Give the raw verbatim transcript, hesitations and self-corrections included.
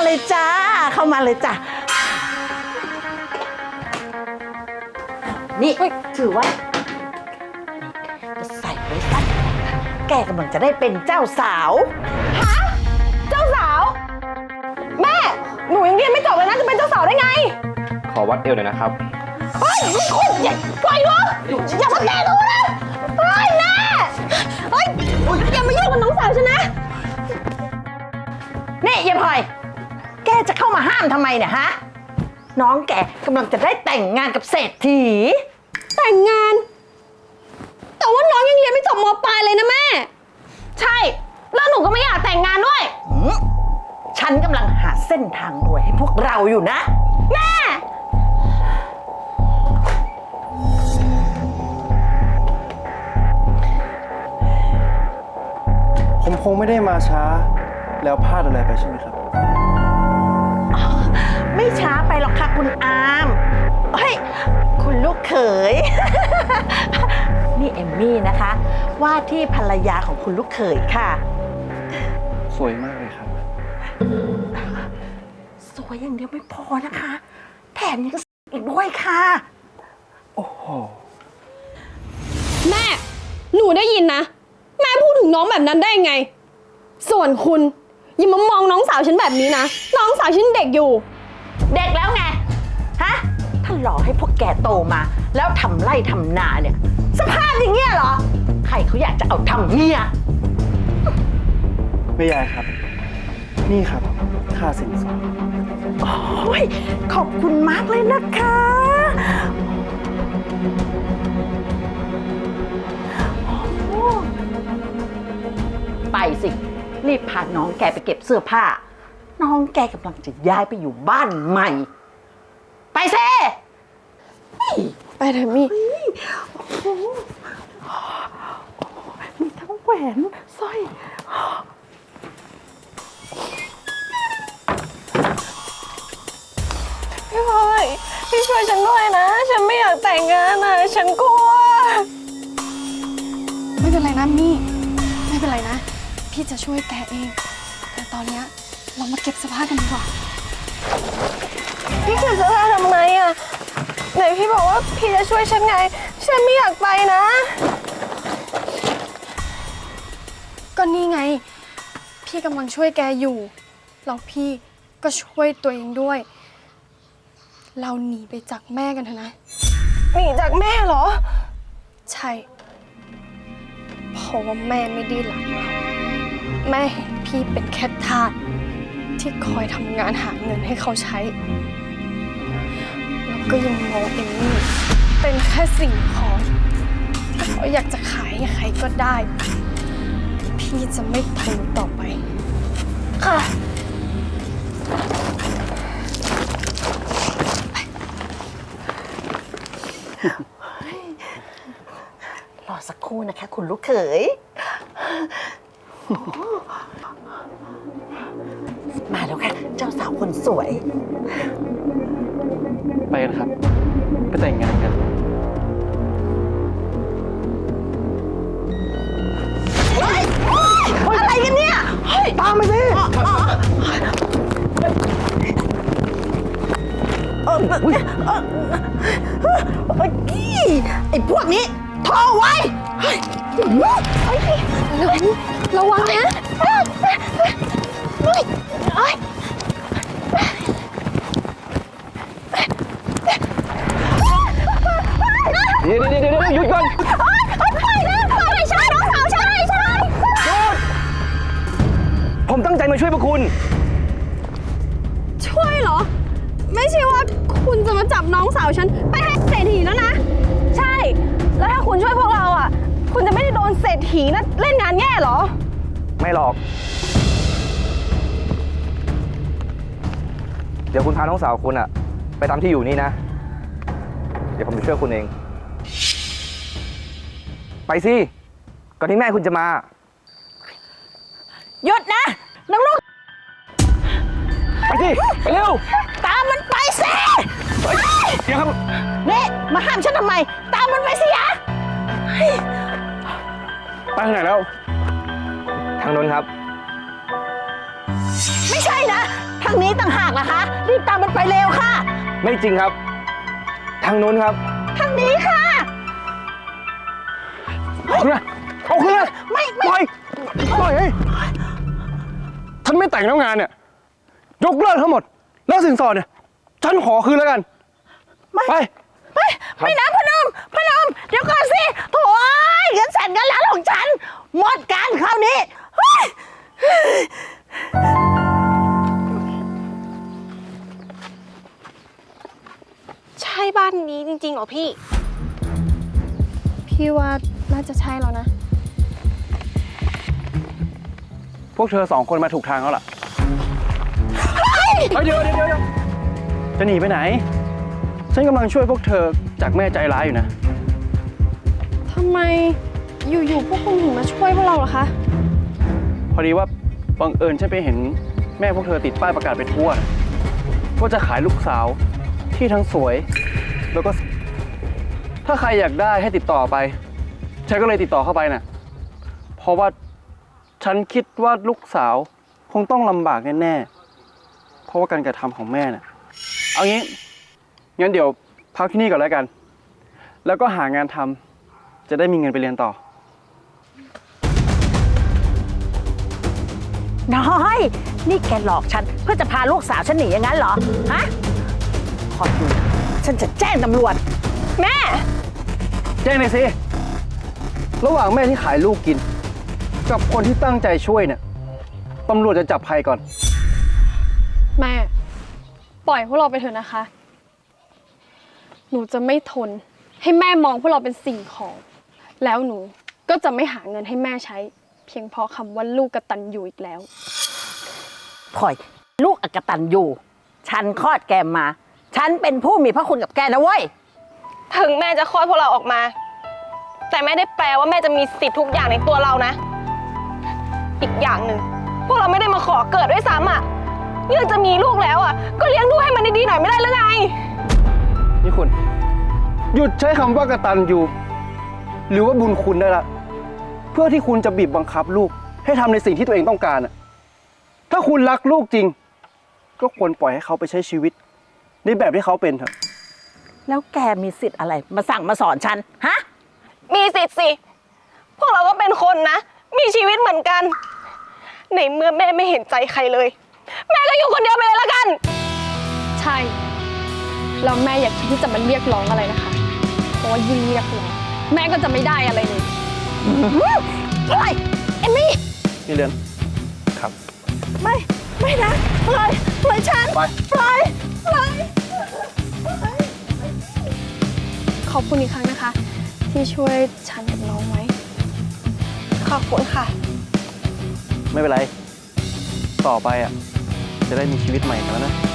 เลยจ้าเข้ามาเลยจ้านี่ถือว่าจะใส่ไว้สักแกกำลังจะได้เป็นเจ้าสาวฮะเจ้าสาวแม่หนูยังเรียนไม่จบเลยนะจะเป็นเจ้าสาวได้ไงขอวัดเอวหน่อยนะครับเฮ้ยคุณอย่าปล่อยหนูอย่ามาแตะหนูนะเฮ้ยแม่เฮ้ยอย่ามายุ่งกับน้องสาวฉันนะนี่ยายพลอยแกจะเข้ามาห้ามทำไมเนี่ยฮะน้องแกกำลังจะได้แต่งงานกับเศรษฐีแต่งงานแต่ว่าน้องยังเรียนไม่จบม.ปลายเลยนะแม่ใช่แล้วหนูก็ไม่อยากแต่งงานด้วยฉันกำลังหาเส้นทางรวยให้พวกเราอยู่นะแม่ผมคงไม่ได้มาช้าแล้วพลาดอะไรไปใช่ไหมครับไม่ช้าไปหรอกค่ะคุณอามเฮ้ยคุณลูกเขย นี่เอมมี่นะคะว่าที่ภรรยาของคุณลูกเขยค่ะสวยมากเลยครับสวยอย่างเดียวไม่พอนะคะแถมยังอีกด้วยค่ะโอ้โหแม่หนูได้ยินนะแม่พูดถึงน้องแบบนั้นได้ไงส่วนคุณอย่ามามองน้องสาวฉันแบบนี้นะน้องสาวฉันเด็กอยู่เด็กแล้วไงฮะถ้าหลอกให้พวกแกโตมาแล้วทำไร่ทำนาเนี่ยสภาพอย่างเงี้ยเหรอใครเขาอยากจะเอาทำเมียไม่ยายครับนี่ครับค่าสินสอดโอ้ยขอบคุณมากเลยนะคะไปสิรีบพาน้องแกไปเก็บเสื้อผ้าน้องแกกำลังจะย้ายไปอยู่บ้านใหม่ไปเซ่ไปเถอะมี่มีทั้งแหวนสร้อยพี่พลอยพี่ช่วยฉันด้วยนะฉันไม่อยากแต่งงานนะฉันกลัวไม่เป็นไรนะมี่ไม่เป็นไรนะพี่จะช่วยแกเองแต่ตอนนี้เรามาเก็บเสื้อผ้ากันดีกว่าพี่เก็บเสื้อผ้าทำไมอ่ะไหนพี่บอกว่าพี่จะช่วยฉันไงฉันไม่อยากไปนะก็นี่ไงพี่กำลังช่วยแกอยู่แล้วพี่ก็ช่วยตัวเองด้วยเราหนีไปจากแม่กันเถอะนะหนีจากแม่เหรอใช่เพราะว่าแม่ไม่ได้รักเราแม่เห็นพี่เป็นแค่ทาสที่คอยทำงานหาเงินให้เขาใช้แล้วก็ยังมองเอมมี่เป็นแค่สิ่งของเขาอยากจะขายให้ใครก็ได้พี่จะไม่ทนต่อไปค่ะรอสักครู่นะคะคุณลูกเขยมาแล้วค่ะเจ้าสาวคนสวยไปกันครับไปแต่งงานกันอะไรกันเนี่ยตามไปสิเออเออเออกี้ไอ้พวกนี้โทรไว้ระวังนะเดี๋ยวเดี๋ยวเดี๋ยวหยุดก่อนไปนะไปใช่น้องสาวใช่ใช่หยุดผมตั้งใจมาช่วยพวกคุณช่วยเหรอไม่ใช่ว่าคุณจะมาจับน้องสาวฉันไปให้เศรษฐีแล้วนะใช่แล้วถ้าคุณช่วยพวกเราอ่ะคุณจะไม่ได้โดนเศรษฐีนะเล่นงานแย่เหรอไม่หรอกเดี๋ยวคุณพาน้องสาวคุณอะไปตามที่อยู่นี่นะเดี๋ยวผมจะช่วยคุณเองไปสิก่อนที่แม่คุณจะมาหยุดนะน้องลูกไปสิไปเร็วตามมันไปสิเดี๋ยวครับนี่มาห้ามฉันทำไมตามมันไปสิยะไปทางไหนแล้วทางโน้นครับไม่ใช่นะททางนี้ต่างหากนะคะ รีบตามมันไปเร็วค่ะไม่จริงครับ ทางนู้นครับทางนี้ค่ะเอาคืนมาเอาคืนมาไม่ปไม่ล่อยปล่อยเฮ้ยฉันไม่แต่งแล้วงานเนี่ย ยกเลิกทั้งหมด แล้วสินสอดเนี่ย ฉันขอคืนแล้วกันไม่ไปไม่ไม่นะพนมพนมเดี๋ยวก่อนสิโถ่เงินแสนเงินล้านของฉัน หมดการคราวนี้เฮ้ยใช่บ้านนี้จริงๆเหรอพี่ พี่ว่าน่าจะใช่แล้วนะพวกเธอสองคนมาถูกทางแล้วล่ะเฮ้ยเดี๋ยวเดี๋ยวเดี๋ยวจะหนีไปไหน ฉันกำลังช่วยพวกเธอจากแม่ใจร้ายอยู่นะทำไมอยู่ๆพวกคุณถึงมาช่วยพวกเราเหรอคะพอดีว่าบังเอิญฉันไปเห็นแม่พวกเธอติดป้ายประกาศไปทั่วนะว่าจะขายลูกสาวที่ทั้งสวย แล้วก็ ถ้าใครอยากได้ให้ติดต่อไป ฉันก็เลยติดต่อเข้าไปน่ะ เพราะว่าฉันคิดว่าลูกสาวคงต้องลำบากแน่ๆ เพราะว่าการกระทำของแม่น่ะ เอางี้ งั้นเดี๋ยวพักที่นี่ก่อนแล้วกัน แล้วก็หางานทำจะได้มีเงินไปเรียนต่อน้อย นี่แกหลอกฉันเพื่อจะพาลูกสาวฉันหนีอย่างนั้นเหรอ ฮะขอดูฉันจะแจ้งตำรวจแม่แจ้งเลยสิ ระหว่างแม่ที่ขายลูกกิน กับคนที่ตั้งใจช่วยเนี่ย ตำรวจจะจับใครก่อนแม่ ปล่อยพวกเราไปเถอะนะคะ หนูจะไม่ทนให้แม่มองพวกเราเป็นสิ่งของ แล้วหนูก็จะไม่หาเงินให้แม่ใช้ เพียงเพราะคำว่าลูกกตัญญูอีกแล้วพลอย ลูกอกตันอยู่ ฉันคลอดแกมา ฉันเป็นผู้มีพระคุณกับแกนะเว้ยถึงแม่จะคลอดพวกเราออกมา แต่ไม่ได้แปลว่าแม่จะมีสิทธิ์ทุกอย่างในตัวเรานะ อีกอย่างหนึ่งพวกเราไม่ได้มาขอเกิดด้วยซ้ำอ่ะยังจะมีลูกแล้วอ่ะก็เลี้ยงดูให้มันดีๆหน่อยไม่ได้หรือไงนี่คุณ หยุดใช้คำว่ากตัญญูหรือว่าบุญคุณได้ละ เพื่อที่คุณจะบีบบังคับลูก ให้ทำในสิ่งที่ตัวเองต้องการอะถ้าคุณรักลูกจริง ก็ควรปล่อยให้เขาไปใช้ชีวิต ในแบบที่เขาเป็นเถอะแล้วแกมีสิทธิ์อะไร มาสั่งมาสอนฉัน ฮะมีสิทธิ์สิ พวกเราก็เป็นคนนะ มีชีวิตเหมือนกัน ในเมื่อแม่ไม่เห็นใจใครเลย แม่ก็อยู่คนเดียวไปเลยละกันใช่ แล้วแม่อยากคิดที่จะมาเรียกร้องอะไรนะคะ เพราะว่ายิ่งเรียกร้องแม่ก็จะไม่ได้อะไรเลยปล่อย เอมมี่นี่เรือนครับไม่ ไม่นะ ปล่อย ปล่อยฉันไปปล่อย ปล่อยขอบคุณอีกครั้งนะคะ ที่ช่วยฉันกับน้องไว้ขอบคุณค่ะไม่เป็นไร ต่อไปอ่ะ จะได้มีชีวิตใหม่กันแล้วนะ